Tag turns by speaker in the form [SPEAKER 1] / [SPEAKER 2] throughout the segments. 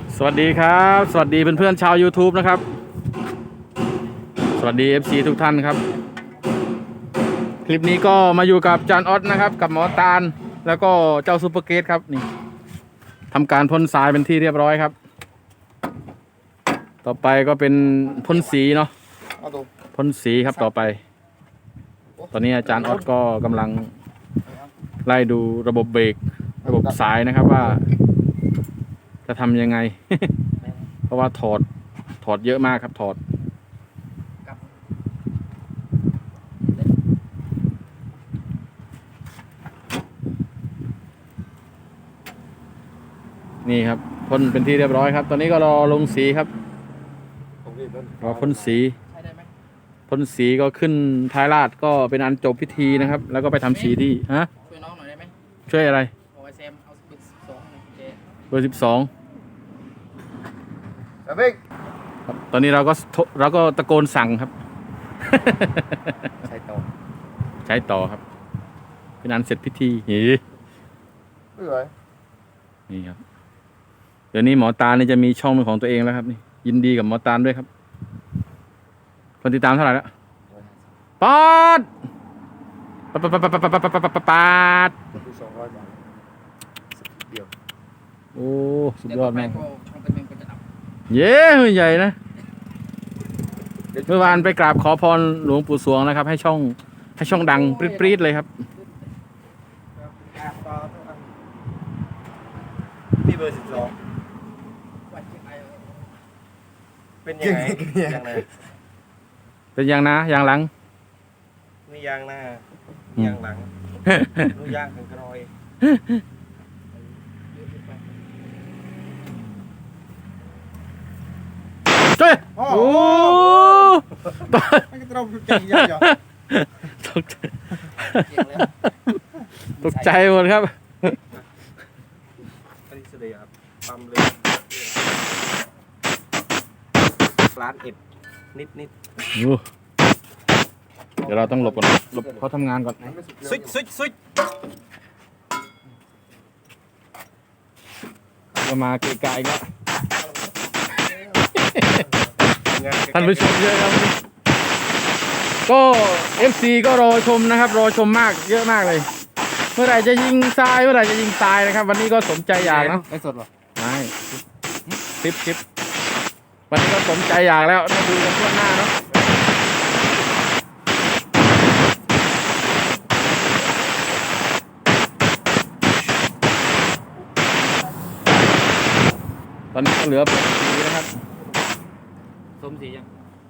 [SPEAKER 1] สวัสดีครับสวัสดีเพื่อนๆชาว YouTube นะครับสวัสดี FC ทุกท่านครับคลิปนี้ก็มาอยู่กับจานออสนะครับกับหมอตาลแล้วก็เจ้าซูเปอร์เกตครับนี่ทำการพ่นทรายเป็นที่เรียบร้อยครับต่อไปก็เป็นพ่นสีเนาะพ่นสีครับต่อไปตอนนี้อาจารย์ออสก็กำลังไล่ดูระบบเบรกระบบสายนะครับว่าจะทำยังไง เพราะว่าถอดเยอะมากครับถอดนี่ครับพ่นเป็นที่เรียบร้อยครับตอนนี้ก็รอลงสีครับรอพ่นสีพ่นสีก็ขึ้นท้ายราดก็เป็นอันจบพิธีนะครับ แล้วก็ไปทำสีที่ฮะ
[SPEAKER 2] ช่วยน้องหน่อยได้ไหม
[SPEAKER 1] ช่วยอะไร
[SPEAKER 2] โอ้ยแซมเอาเบอร์12หน่อยเจ
[SPEAKER 1] เบอร์12ครับตอนนี้เราก็ตะโกนสั่งครับ
[SPEAKER 2] ใช่ต่อ
[SPEAKER 1] ใช้ต่อครับเป็นอันเสร็จพิธีนี่ครับเดี๋ยวนี้หมอตาลนี่จะมีช่องเป็นของตัวเองแล้วครับนี่ยินดีกับหมอตาลด้วยครับคนติดตามเท่าไหร่แล้วปาดปาดปาด
[SPEAKER 3] 200 บาทเดียว
[SPEAKER 1] โอ้สุดยอดมาก
[SPEAKER 2] ช่องเป็นเมงก็จะดับ
[SPEAKER 1] เย้ใหญ่นะเมื่อวานไปกราบขอพรหลวงปู่สวงนะครับให้ช่องดังปรี๊ดเลยครับ
[SPEAKER 3] นี่เบอร์12เป็นยังไงยังไง
[SPEAKER 1] เป็นยางนะยางหลัง
[SPEAKER 3] นี่ยางหน้ายางหลังนู่ยางกันกรอย
[SPEAKER 1] เจ้ยโอ้
[SPEAKER 3] ไม่ต้องใจเย็น
[SPEAKER 1] ตกใจตกใจหมดครับ
[SPEAKER 3] อันนี้เสด็จครับปั๊มเลยร้านเอ็ดนิด
[SPEAKER 1] เดี๋ยวเราต้องหลบก่อนหลบเขาทำงานก่อน
[SPEAKER 3] ซุย
[SPEAKER 1] ก็มาเกะกะอีกแล้วท่านผู้ชมเยอะครับก็ FC ก็รอชมนะครับรอชมมากเยอะมากเลยเมื่อไหร่จะยิงทรายเมื่อไหร่จะยิงทรายนะครับวันนี้ก็สมใจอยากนะ
[SPEAKER 2] ไม่สดหรอ
[SPEAKER 1] ไม่คลิปวันนี้ก็สมใจอยากแล้วมาดูกันทั่วหน้าเนาะตอนนี้ก็เหลือสีนะครับ
[SPEAKER 2] สมสียัง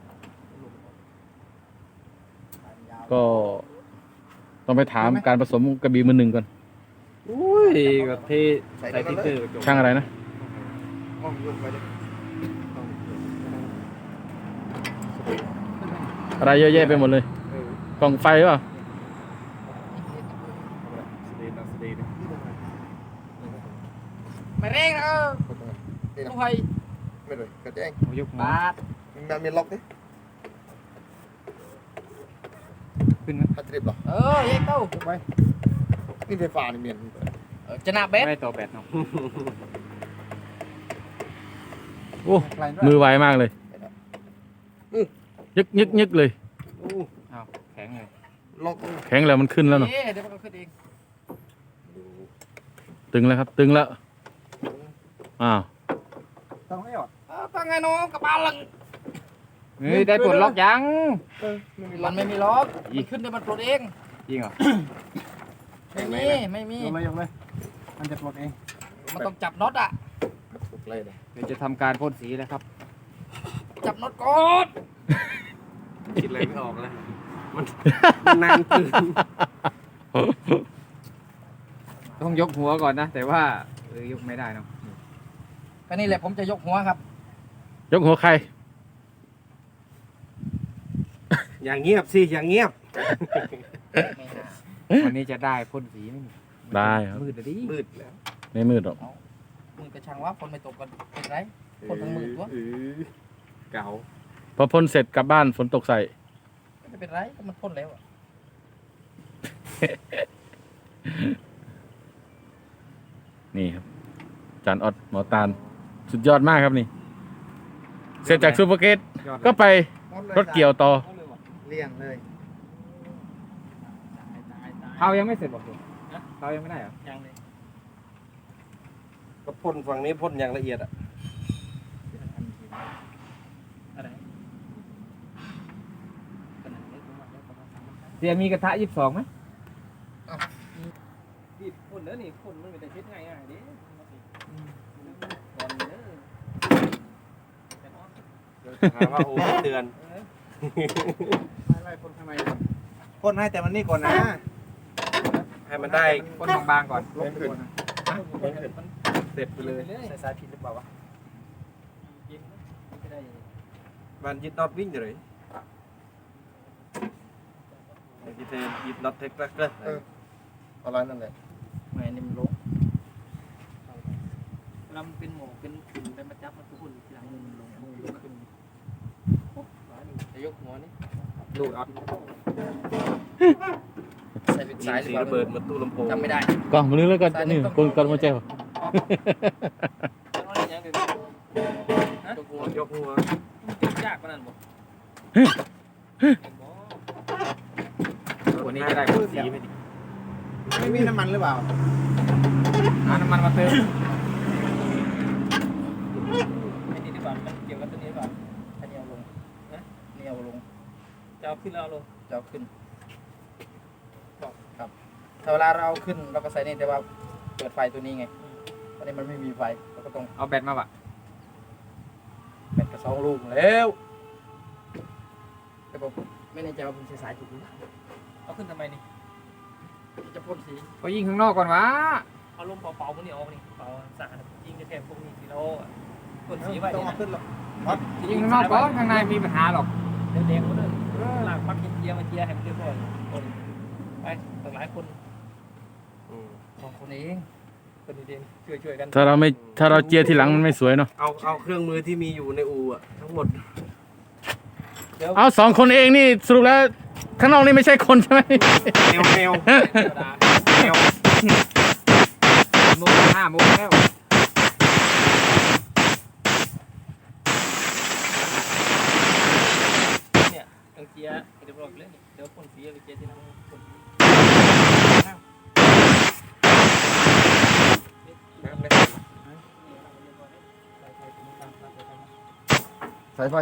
[SPEAKER 1] ก็ต้องไปถามการผสมกระบี่มือหนึ่งก่อน
[SPEAKER 2] อุ้ยก็เทใส่ทิกเกอร์
[SPEAKER 1] ช่างอะไรนะอะไรเยอะแยะไปหมดเลยกล่องไฟหรือเปล่า
[SPEAKER 2] ไม่เร่งนะลูกไฟ
[SPEAKER 3] ไม่เลยกระแจง
[SPEAKER 1] ยก
[SPEAKER 2] บาท
[SPEAKER 3] มันมีล็อกดิ
[SPEAKER 1] ขึ้นไหม
[SPEAKER 3] พัดเรียบหรอ
[SPEAKER 2] เย้เต้า
[SPEAKER 3] ไปนี่ไฟฟ้านี่เมียน
[SPEAKER 2] จะนาเบส
[SPEAKER 1] ไม่ต่อแบตเนาะโอ้มือไวมากเลยยึกเลย
[SPEAKER 2] อ้าวแข็งเลย
[SPEAKER 3] ล็อก
[SPEAKER 1] แข็งแล้วมันขึ้นแล้วเนาะ
[SPEAKER 2] เดี๋ยวมันก็ขึ้นเอง
[SPEAKER 1] ตึงแล้วครับตึงแล้วอ้าว
[SPEAKER 3] ต้องให้อด
[SPEAKER 2] ตั้งไงน้องกับบาลัง
[SPEAKER 1] นี่ได้ปลดล็อกยัง
[SPEAKER 2] มันไม่มีล็อกขึ้นเดี๋ยวมันปลดเอง
[SPEAKER 1] จริงเหรอ
[SPEAKER 2] ไม่มี
[SPEAKER 3] ยกเลยมันจะปลดเอง
[SPEAKER 2] มันต้องจับน็อตอ่ะ
[SPEAKER 1] เดี๋ยวจะทำการพ่นสีแล้วครับ
[SPEAKER 2] จับน็อตก่อน
[SPEAKER 3] คิดอะไรไม่ออกเลยมันนานเกิน
[SPEAKER 1] ต้องยกหัวก่อนนะแต่ว่ายกไม่ได้เนาะ
[SPEAKER 2] ก็นี่แหละผมจะยกหัวครับ
[SPEAKER 1] ยกหัวใคร
[SPEAKER 3] อย่างเงียบสิอย่างเงียบ
[SPEAKER 1] วันนี้จะได้พ่นสีไหมได้ครับ
[SPEAKER 3] มืดดิมืดแล้ว
[SPEAKER 1] ไม่มืดหรอก
[SPEAKER 2] มืดกระชังว่าฝนไม่ตกกันเป็นไรฝนทั้งมืดวะ
[SPEAKER 3] เก่า
[SPEAKER 1] พอพ่นเสร็จกลับบ้านฝนตกใส่
[SPEAKER 2] ไม่เป็นไรมันพ่นแล้วอ่ะ
[SPEAKER 1] นี่ครับจานออดหมอตาลสุดยอดมากครับนี่ เสร็จจากซูเปอร์เกต
[SPEAKER 4] ยอดเลย
[SPEAKER 1] ก็ไปรถเกี่ยวต่อ
[SPEAKER 4] เลี่ยงเลย
[SPEAKER 2] ตาย
[SPEAKER 4] เผายังไม่เสร็จบอกคุณเผายังไม่ได้เหรอ
[SPEAKER 2] ยังเลย
[SPEAKER 3] ก็พ่นฝั่งนี้พ่นอย่างละเอียดอ่ะ
[SPEAKER 2] อะไรขนาดเล็กมากแล้วประมาณ3
[SPEAKER 4] เสียมีกระทะ22ไหม
[SPEAKER 2] นี่พ่นแล้วนี่พ่นมันไม่ได้เช็ดง่ายๆดิบอลเด้อแต่ว่า
[SPEAKER 3] หาว่าโอ้เตือน
[SPEAKER 4] ไม่พ่นข้างในก่อนพ่นให้แต่มันนี่ก่อนนะ
[SPEAKER 3] ให้มันได้
[SPEAKER 4] พ่นบางๆก่อนลบก่อนนะ
[SPEAKER 3] เสร็จไปเลย
[SPEAKER 4] ใส่สายผิดหรือเปล่าวะ
[SPEAKER 2] กินไม่ได้
[SPEAKER 3] มันยึดน็อตวิ่งเลยยึดยึดน็อตเทคแรกเลย
[SPEAKER 4] อะไรนั่นแหละ
[SPEAKER 2] ไม่นี่มันลงเวลามันเป็นหมอกเป็นฝุ่นเป็นมาจับมันทุกคนทีหลังมันลงมือขึ้นจะยกหัวนี่
[SPEAKER 4] ดูดเอา
[SPEAKER 2] ใส่เป็น
[SPEAKER 3] ยิ
[SPEAKER 2] สาย
[SPEAKER 3] ง
[SPEAKER 2] หรือ
[SPEAKER 3] สี
[SPEAKER 2] เปล่า
[SPEAKER 3] ระเบิดมาตู้ลำโพง
[SPEAKER 2] จำไม่ได้
[SPEAKER 1] กล้องมาลื้อแล้วก็นี่กดมาแจ้ว
[SPEAKER 2] ยกหัวย
[SPEAKER 3] กหัว
[SPEAKER 2] มันยากกว่านั้นบ่
[SPEAKER 4] วันนี้จะได้
[SPEAKER 3] พ่นสีไม่ดี
[SPEAKER 4] ไม่มีน้ำมันหรือเปล่าหาน้ำมันมาเติม
[SPEAKER 2] ไอ้นี่ดีกว่ามันเกี่ยวกับตัวนี้ดีกว่าอันนี้เอาลงนะนี่เอาลงจะเอาขึ้นแล้วเอาลงจะเอาขึ้นครับถ้าเวลาเราเอาขึ้นเราก็ใส่นี่แต่ว่าเปิดไฟตัวนี้ไงตอนนี้มันไม่มีไฟเราก็ต้อง
[SPEAKER 4] เอาแบตมาปะ
[SPEAKER 2] แบตกระ2 ลูกแล้วแต่ผมไม่แน่ใจว่าผมใช้สายถูกหรือเปล่าเอาขึ้นทำไมนี่จะพ่นสี
[SPEAKER 4] ก็ยิงข้างนอกก่อนวะ
[SPEAKER 2] เอาลมเป่าๆพวกนี้ออกนี่เป่าสะอาดยิงแค่พวกนี้สีโลพ่นสีไว้
[SPEAKER 4] ต้อง
[SPEAKER 2] นี่
[SPEAKER 4] เอา
[SPEAKER 2] นะ
[SPEAKER 4] ขึ้นหรอกยิงข้างนอกก่อนข้างในมีปัญหาหรอก
[SPEAKER 2] แดงๆหมดเลยลากปักเจียมาเจียให้มันเรียบร้อยคนไปตั้งหลายคน2 คนเองคนเดียวช่วยกัน
[SPEAKER 1] ถ้าเราเจียทีหลังมันไม่สวยเนาะ
[SPEAKER 3] เอาเครื่องมือที่มีอยู่ในอู่อะทั้งหมด
[SPEAKER 2] เดี๋ยว
[SPEAKER 1] เอา2 คนเองนี่สรุปแล้วข้างนอกนี่ไม่ใช่คนใช่ไหม
[SPEAKER 3] แนว
[SPEAKER 2] ธรรมดา
[SPEAKER 3] แนว
[SPEAKER 4] โมง5 โมงแล้ว
[SPEAKER 2] เนี่ยต้องเจียเรียบร้อยเลยเดี๋ยวพ่นสีไปเจียทีหลังพ่นสี
[SPEAKER 4] สายไฟ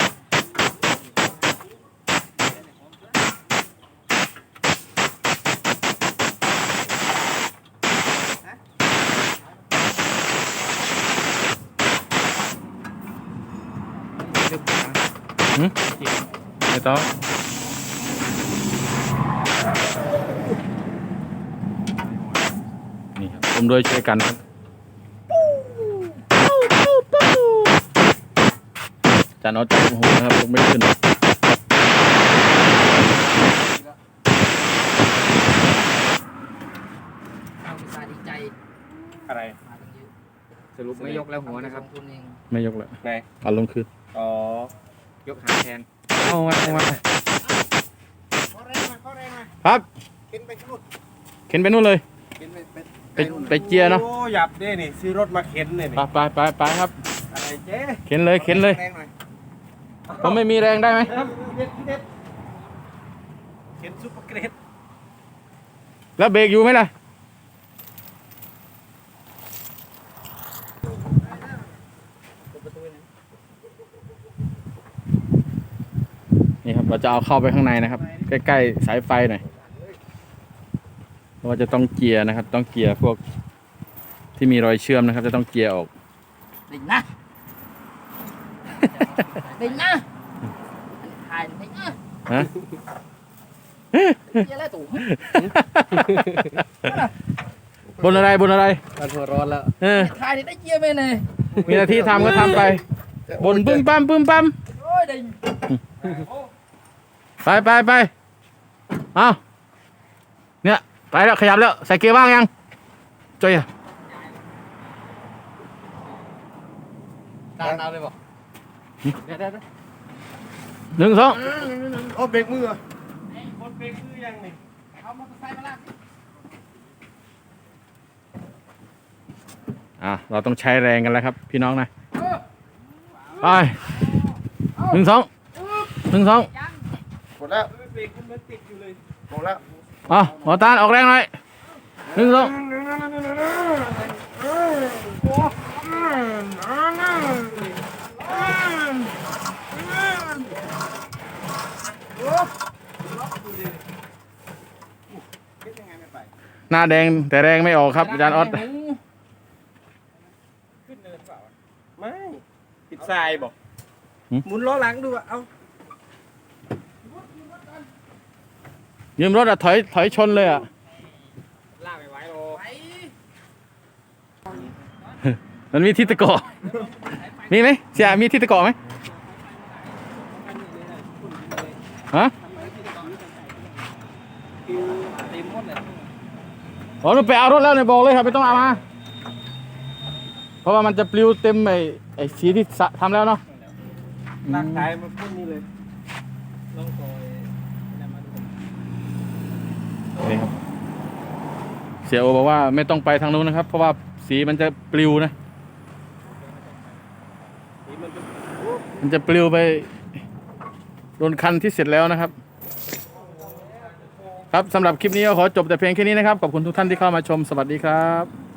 [SPEAKER 1] ไม่ต้องนี่ครับผมโดยช่วยกันครับจานออสจับหัวนะครับผมไม่ขึ้น
[SPEAKER 2] เอาไปสายดีใจ
[SPEAKER 3] อะไร
[SPEAKER 2] มากันเยอะ
[SPEAKER 4] สรุปไม่ยกแล้วหัวนะครับ
[SPEAKER 2] ทุนเอง
[SPEAKER 1] ไม่ยกเลย
[SPEAKER 3] ไหน
[SPEAKER 1] เอาลงคืน
[SPEAKER 3] อ๋อย
[SPEAKER 4] กหางแทน
[SPEAKER 1] เอาไว้เอาไว้
[SPEAKER 4] ข้อแรงมา
[SPEAKER 1] ครับ
[SPEAKER 4] ขึ้นไปนู่น
[SPEAKER 1] เข็นไปนู่นเลย
[SPEAKER 4] ขึ้นไป
[SPEAKER 1] ไปเจียเนาะ
[SPEAKER 3] โอ้หยับด้นี่ซื้อรถมาเข็นเนี่ย
[SPEAKER 1] ไปครับ
[SPEAKER 3] อะไรเจ๊
[SPEAKER 1] เข็นเลย
[SPEAKER 4] แรงหน่อย
[SPEAKER 1] ผมไม่มีแรงได้ไหม
[SPEAKER 3] เข็นซุปเปอร์เกรด
[SPEAKER 1] แล้วเบรกอยู่ไหมล่ะนี่ครับเราจะเอาเข้าไปข้างในนะครับ ใกล้ๆสายไฟหน่อยเพราะว่าจะต้องเกียร์นะครับ ต้องเกียร์พวกที่มีรอยเชื่อมนะครับ จะต้องเกียร์ออก
[SPEAKER 2] ดิ่งนะดิ่งนะถ่ายดิ่งนะ
[SPEAKER 1] ฮะ
[SPEAKER 2] เจียแล้วตู่
[SPEAKER 1] บนอะไร
[SPEAKER 4] มันหัวร้อนแล้ว
[SPEAKER 1] เออ
[SPEAKER 2] ถ่ายได้เจียไหมเนี่ย
[SPEAKER 1] มีหน้าที่ทำก็ทำไป บนปึ้มปั๊ม
[SPEAKER 2] โอ้ยดิ่ง
[SPEAKER 1] ไปเอาเนี่ยไปแล้วขยับแล้วใส่เกียร์ว่างยังจอยอะ
[SPEAKER 2] การเอาเลยบอก
[SPEAKER 1] 1 2
[SPEAKER 4] โอ้เบรกมือ
[SPEAKER 3] คนเบรกคือยังนี่
[SPEAKER 2] เอามอเตอร์ไซค์มาลาก
[SPEAKER 1] เราต้องใช้แรงกันแล้วครับ พี่น้องนะไปหนึ่งสอง
[SPEAKER 2] ยัง
[SPEAKER 3] หมดแล้ว
[SPEAKER 2] เบรกมันติดอยู่เลย
[SPEAKER 3] หมดแล้ว
[SPEAKER 1] หมอตาลออกแรงหน่อยหนึ่งสองหน้าแดงแต่แรงไม่ออกครับอาจารย์ออส
[SPEAKER 2] ขึ้นเนินเปล่า
[SPEAKER 3] ไม่ติดทรายบอก
[SPEAKER 2] หมุนล้อหลังดูอ่ะเอา
[SPEAKER 1] ยืมรถอะถอยชนเลยอะ
[SPEAKER 2] ลากไปไว้โล
[SPEAKER 1] มันมีที่ตะกอมีไหมเสียมีที่ตะกอไหมฮะ
[SPEAKER 2] เต็มหมดเลย
[SPEAKER 1] อ๋อหนูไปเอารถแล้วเนี่ยบอกเลยครับไม่ต้องเอามาเพราะว่ามันจะปลิวเต็มไอ้สีที่ทำแล้วเนาะ
[SPEAKER 3] ลากทรายมาพุ่นนี่เลย
[SPEAKER 2] ลองต่อยนั่นมาดู
[SPEAKER 1] นี่ครับเสียโอบอกว่าไม่ต้องไปทางนู้นนะครับ เพราะว่าสีมันจะปลิวนะ มันจะปลิวไปโดนคันที่เสร็จแล้วนะครับ ครับสำหรับคลิปนี้ก็ขอจบแต่เพียงแค่นี้นะครับ ขอบคุณทุกท่านที่เข้ามาชมสวัสดีครับ